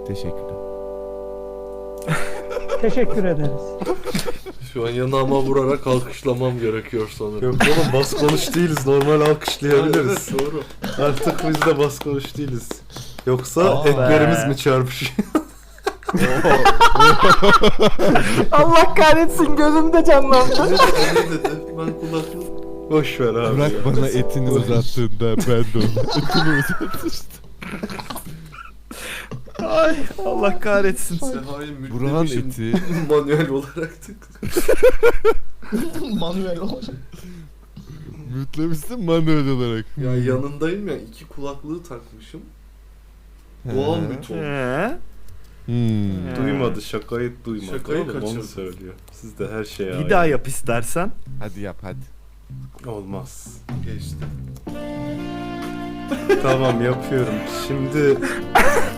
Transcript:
Teşekkürler. Teşekkür ederiz. Şu an yanağıma vurarak alkışlamam gerekiyor sanırım. Yok oğlum bas konuş değiliz. Normal alkışlayabiliriz. Evet, doğru. Artık biz de bas konuş değiliz. Yoksa etlerimiz mi çarpışıyor? Allah kahretsin, gözümde canlandı. Ne dedi? Ben kulaklık... Boş ver abi. Bırak ya. bana etini uzattığında ben de onu etini uzatmıştım. Ay Allah kahretsin. Seha'yı Burhan mütlemişim eti. manuel olarak tık. Manuel olacak. Mütlemişsin manuel olarak. Ya yanındayım ya, iki kulaklığı takmışım. Doğal bir ton. Duymadı, şakayı duymadı. Şakayı oğlum, onu kaçırdı. söylüyor. Siz de her şeye Bir daha yap istersen. Hadi yap hadi. Olmaz. Geçti. Tamam yapıyorum. Şimdi